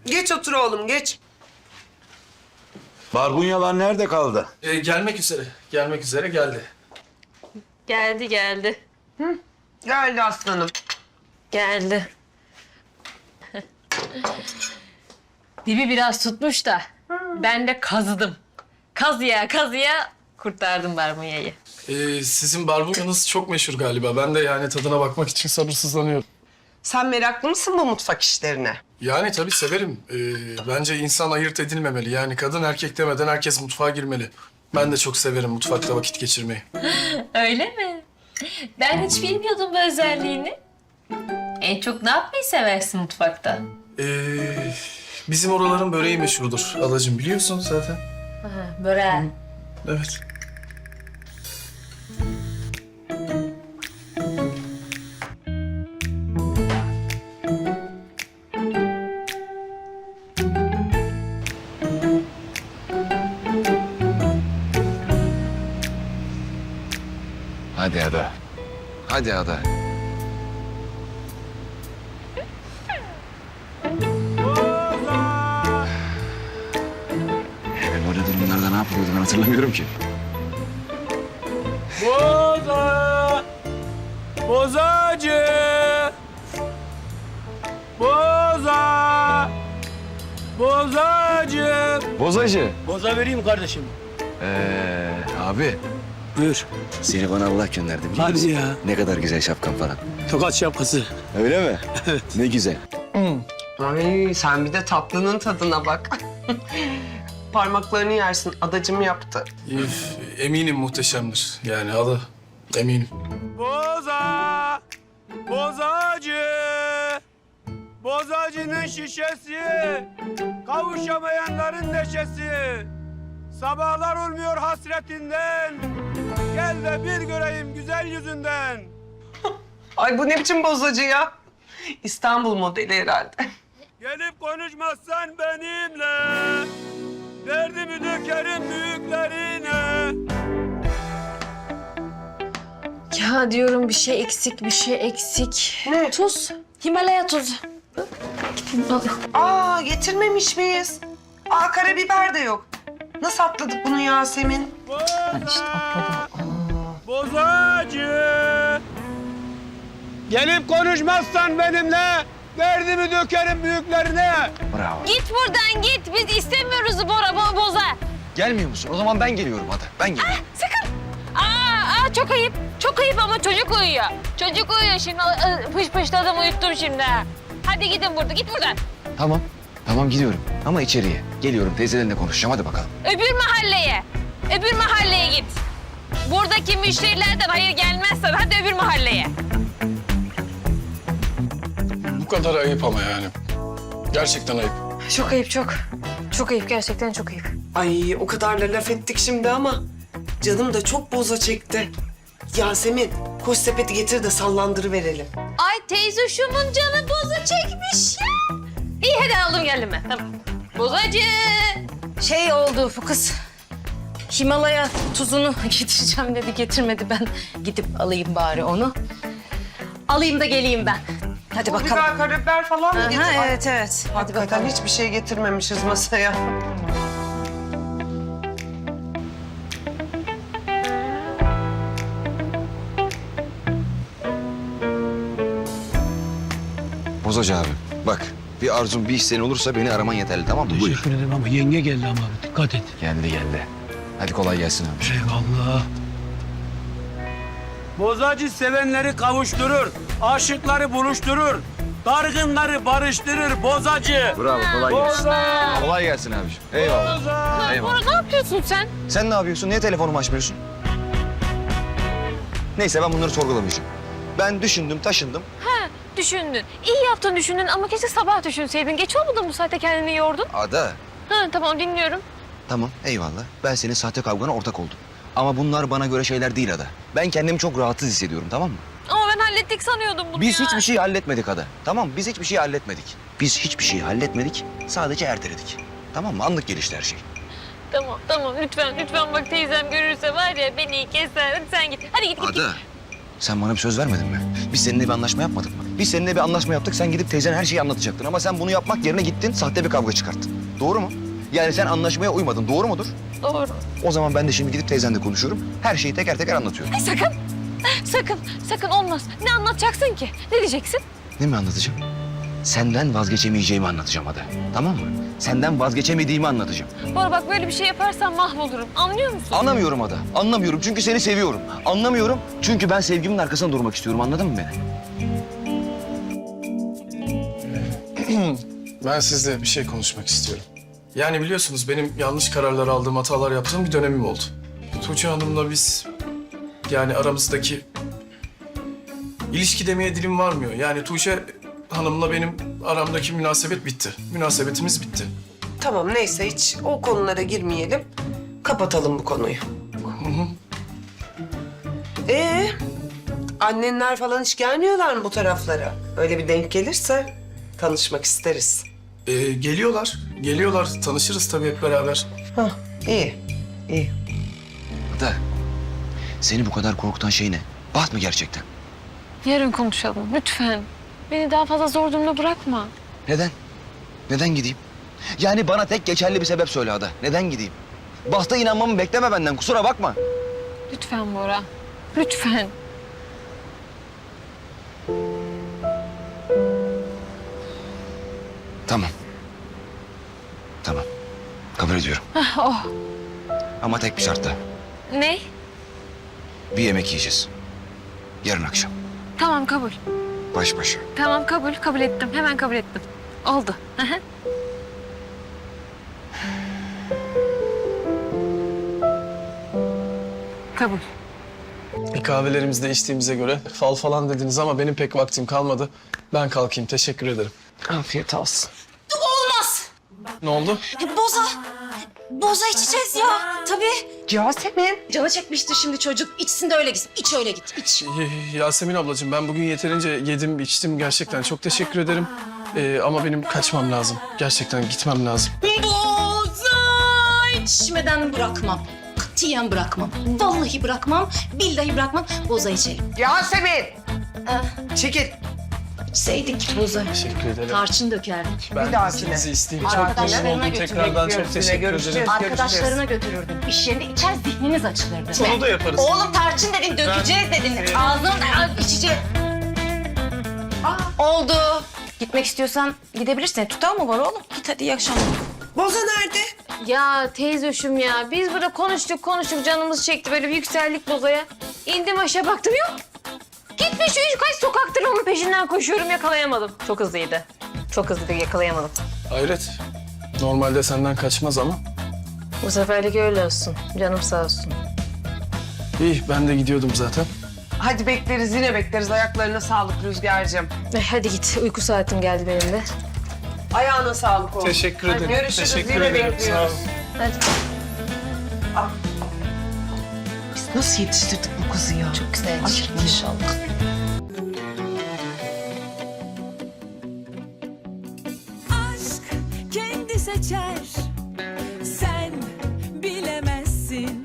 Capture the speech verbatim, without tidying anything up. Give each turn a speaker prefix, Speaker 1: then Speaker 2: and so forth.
Speaker 1: Geç otur oğlum, geç.
Speaker 2: Barbunyalar nerede kaldı?
Speaker 3: Ee, gelmek üzere. Gelmek üzere geldi.
Speaker 4: Geldi geldi.
Speaker 1: Geldi aslanım.
Speaker 4: Geldi. Dibi biraz tutmuş da ben de kazıdım. Kazıya kazıya kurtardım barbunyayı.
Speaker 3: Ee, sizin barbunyanız çok meşhur galiba. Ben de yani tadına bakmak için sabırsızlanıyorum.
Speaker 1: Sen meraklı mısın bu mutfak işlerine?
Speaker 3: Yani tabii severim. Ee, bence insan ayırt edilmemeli. Yani kadın erkek demeden herkes mutfağa girmeli. Ben de çok severim mutfakta vakit geçirmeyi.
Speaker 4: Öyle mi? Ben hiç bilmiyordum bu özelliğini. En çok ne yapmayı seversin mutfakta?
Speaker 3: Ee, bizim oraların böreği meşhurdur alacığım, biliyorsun zaten.
Speaker 4: Ha, böreği.
Speaker 3: Evet.
Speaker 5: Hadi Ada. Hadi Ada. Ben öyle durumlarda ne yapıyordum ben hatırlamıyorum ki.
Speaker 6: Boza! Bozacı! Boza! Bozacı!
Speaker 5: Bozacı.
Speaker 6: Boza vereyim kardeşim.
Speaker 5: Ee, abi
Speaker 6: Buyur.
Speaker 5: seni bana Allah gönderdi biliyor
Speaker 6: Hadi
Speaker 5: musun?
Speaker 6: ya.
Speaker 5: Ne kadar güzel şapkan falan.
Speaker 6: Tokat şapkası.
Speaker 5: Öyle mi? Evet. Ne güzel.
Speaker 1: Ay sen bir de tatlının tadına bak. Parmaklarını yersin, adacım yaptı.
Speaker 3: Üf, eminim muhteşemdir. Yani adı eminim.
Speaker 6: Boza! Bozacı! Bozacının şişesi, kavuşamayanların neşesi. Sabahlar olmuyor hasretinden, gel de bir göreyim güzel yüzünden.
Speaker 1: Ay bu ne biçim bozacı ya? İstanbul modeli herhalde.
Speaker 6: Gelip konuşmazsan benimle, derdimi dökerim büyüklerine.
Speaker 4: Ya diyorum bir şey eksik, bir şey eksik.
Speaker 1: Ne?
Speaker 4: Tuz. Himalaya tuzu.
Speaker 1: Aa getirmemiş miyiz? Aa karabiber de yok. Nasıl atladık bunu Yasemin?
Speaker 6: Boza! Bozacı! Gelip konuşmazsan benimle, derdimi dökerim büyüklerine.
Speaker 5: Bravo.
Speaker 4: Git buradan git. Biz istemiyoruz Bora bo boza.
Speaker 5: Gelmiyor musun? O zaman ben geliyorum Ada. Ben geliyorum.
Speaker 4: Sakın. Aa, aa çok ayıp. Çok ayıp ama çocuk uyuyor. Çocuk uyuyor şimdi. Aa, Pış pışladım uyuttum şimdi. Hadi gidin burada. Git buradan.
Speaker 5: Tamam. Tamam gidiyorum. Ama içeriye. Geliyorum teyzelerinle konuşacağım. Hadi bakalım.
Speaker 4: Öbür mahalleye. Öbür mahalleye git. Buradaki müşterilerden hayır gelmezsen hadi öbür mahalleye.
Speaker 3: Bu kadar ayıp ama yani. Gerçekten ayıp.
Speaker 4: Çok ayıp çok. Çok ayıp gerçekten çok ayıp.
Speaker 1: Ay o kadar da laf ettik şimdi ama canım da çok boza çekti. Yasemin koş sepeti getir de sallandırıverelim.
Speaker 4: Ay teyze şumun canı boza çekmiş ya. İyi hadi aldım geldim ben. Tamam. Bozacı. Şey oldu bu kız. Himalaya tuzunu getireceğim dedi getirmedi. Ben gidip alayım bari onu. Alayım da geleyim ben. Hadi
Speaker 1: Bu
Speaker 4: bakalım.
Speaker 1: biber, karabiber falan mı
Speaker 4: Aha,
Speaker 1: getir? Ay,
Speaker 4: evet evet. Hadi
Speaker 1: hakikaten
Speaker 4: bakalım.
Speaker 1: hiçbir şey getirmemişiz masaya.
Speaker 5: Bozacı abi. Bak bir arzun bir isteğin olursa beni araman yeterli tamam mı? Buyur.
Speaker 6: Teşekkür ederim ama yenge geldi ama dikkat et.
Speaker 5: Geldi geldi. Hadi kolay gelsin abi.
Speaker 6: Eyvallah. Bozacı sevenleri kavuşturur, aşıkları buluşturur, dargınları barıştırır bozacı.
Speaker 5: Bravo kolay gelsin.
Speaker 6: Boza!
Speaker 5: Kolay gelsin abiciğim. Eyvallah.
Speaker 6: Boza!
Speaker 5: Eyvallah.
Speaker 4: Bora ne yapıyorsun sen?
Speaker 5: Sen ne yapıyorsun? Niye telefonumu açmıyorsun? Neyse ben bunları sorgulamayacağım. Ben düşündüm, taşındım.
Speaker 4: Ha düşündün. İyi yaptın düşündün ama keşke sabah düşünseydin. Geç olmadı mı bu saatte kendini yordun?
Speaker 5: Ada.
Speaker 4: Ha tamam dinliyorum.
Speaker 5: Tamam, eyvallah. Ben senin sahte kavgana ortak oldum. Ama bunlar bana göre şeyler değil Ada. Ben kendimi çok rahatsız hissediyorum, tamam mı?
Speaker 4: Ama ben hallettik sanıyordum bunu
Speaker 5: Biz
Speaker 4: ya.
Speaker 5: hiçbir şey halletmedik Ada. Tamam, biz hiçbir şey halletmedik. Biz hiçbir şey halletmedik, sadece erteledik. Tamam mı? Anlık gelişti her şey.
Speaker 4: Tamam tamam lütfen lütfen bak teyzem görürse var ya beni keser. Hadi sen git. Hadi git git. git.
Speaker 5: Ada, sen bana bir söz vermedin mi? Biz seninle bir anlaşma yapmadık mı? Biz seninle bir anlaşma yaptık. Sen gidip teyzen her şeyi anlatacaktın. Ama sen bunu yapmak yerine gittin, sahte bir kavga çıkarttın. Doğru mu? Yani sen anlaşmaya uymadın. Doğru mudur?
Speaker 4: Doğru.
Speaker 5: O zaman ben de şimdi gidip teyzenle konuşuyorum. Her şeyi teker teker anlatıyorum.
Speaker 4: Ay sakın. Sakın. Sakın olmaz. Ne anlatacaksın ki? Ne diyeceksin?
Speaker 5: Ne mi anlatacağım? Senden vazgeçemeyeceğimi anlatacağım Ada. Tamam mı? Senden vazgeçemediğimi anlatacağım.
Speaker 4: Bora bak böyle bir şey yaparsan mahvolurum. Anlıyor musun?
Speaker 5: Anlamıyorum Ada. Anlamıyorum çünkü seni seviyorum. Anlamıyorum çünkü ben sevgimin arkasında durmak istiyorum. Anladın mı beni?
Speaker 3: Ben sizle bir şey konuşmak istiyorum. Yani biliyorsunuz benim yanlış kararlar aldığım, hatalar yaptığım bir dönemim oldu. Tuğçe Hanım'la biz yani aramızdaki ilişki demeye dilim varmıyor. Yani Tuğçe Hanım'la benim aramdaki münasebet bitti. Münasebetimiz bitti.
Speaker 1: Tamam neyse hiç o konulara girmeyelim. Kapatalım bu konuyu. Ee, annenler falan hiç gelmiyorlar mı bu taraflara? Öyle bir denk gelirse tanışmak isteriz.
Speaker 3: Ee, geliyorlar, geliyorlar. Tanışırız tabii hep beraber.
Speaker 1: Hah, iyi, iyi.
Speaker 5: Ada, seni bu kadar korkutan şey ne? Baht mı gerçekten?
Speaker 4: Yarın konuşalım lütfen. Beni daha fazla zor durumda bırakma.
Speaker 5: Neden? Neden gideyim? Yani bana tek geçerli bir sebep söyle Ada. Neden gideyim? Bahta inanmamı bekleme benden. Kusura bakma.
Speaker 4: Lütfen Bora. Lütfen.
Speaker 5: Tamam. Tamam. Kabul ediyorum.
Speaker 4: Hah, oh.
Speaker 5: Ama tek bir şartla.
Speaker 4: Ne?
Speaker 5: Bir yemek yiyeceğiz. Yarın akşam.
Speaker 4: Tamam kabul.
Speaker 5: Baş başa.
Speaker 4: Tamam kabul. Kabul ettim. Hemen kabul ettim. Oldu. Hı hı. Kabul.
Speaker 3: Bir kahvelerimizi de içtiğimize göre fal falan dediniz ama benim pek vaktim kalmadı. Ben kalkayım. Teşekkür ederim.
Speaker 1: Afiyet olsun.
Speaker 2: Olmaz.
Speaker 3: Ne oldu?
Speaker 2: Boza. Boza içeceğiz ya. Tabii.
Speaker 1: Yasemin.
Speaker 2: Canı çekmiştir şimdi çocuk. İçsin de öyle gitsin. İç öyle git. İç.
Speaker 3: Y- Yasemin ablacığım ben bugün yeterince yedim, içtim gerçekten. Çok teşekkür ederim. Ee, ama benim kaçmam lazım. Gerçekten gitmem lazım.
Speaker 2: Boza içmeden bırakmam. Katiyen bırakmam. Vallahi bırakmam. Billahi bırakmam. Boza içelim.
Speaker 1: Yasemin. Çekil.
Speaker 2: İçseydik boza.
Speaker 3: Teşekkür ederim.
Speaker 2: Tarçın dökerdik.
Speaker 3: Ben
Speaker 1: Bir dahakine.
Speaker 3: izninizi isteyeyim. Çok
Speaker 2: Arkadaşlarına
Speaker 3: memnun oldum.
Speaker 2: götürmek
Speaker 3: Tekrardan çok
Speaker 1: görüşürüz,
Speaker 3: teşekkür
Speaker 1: görüşürüz.
Speaker 3: ederim.
Speaker 2: Arkadaşlarına götürürdün. İş yerinde içer zihniniz açılırdı.
Speaker 3: Onu da yaparız.
Speaker 2: Oğlum tarçın dedin, dökeceğiz dedin. Ağzına içeceğiz. Oldu. Gitmek istiyorsan gidebilirsin. Tutar mı var oğlum? Git hadi iyi akşamlar.
Speaker 1: Boza nerede?
Speaker 4: Ya teyzoşum ya. Biz burada konuştuk konuştuk. Canımız çekti. Böyle bir yükseldik Boza'ya. İndim aşağı baktım yok. Gitmiş üç kaç sokaktır onun peşinden koşuyorum yakalayamadım. Çok hızlıydı. Çok hızlıydı yakalayamadım.
Speaker 3: Hayret. Normalde senden kaçmaz ama.
Speaker 4: Bu seferlik öyle olsun. Canım sağ olsun.
Speaker 3: İyi ben de gidiyordum zaten.
Speaker 1: Hadi bekleriz yine bekleriz. Ayaklarına sağlık Rüzgar'cığım.
Speaker 4: Eh, hadi git. Uyku saatim geldi benim de.
Speaker 1: Ayağına sağlık olsun.
Speaker 3: Teşekkür
Speaker 1: Hadi
Speaker 3: ederim.
Speaker 1: görüşürüz.
Speaker 3: Teşekkür
Speaker 1: yine
Speaker 3: ederim. Sağ
Speaker 1: bekliyoruz.
Speaker 3: olun.
Speaker 4: Hadi.
Speaker 1: Biz nasıl yetiştirdik bu kızı ya?
Speaker 4: Çok güzel.
Speaker 1: Ay,
Speaker 4: İnşallah.
Speaker 7: aşk kendi seçer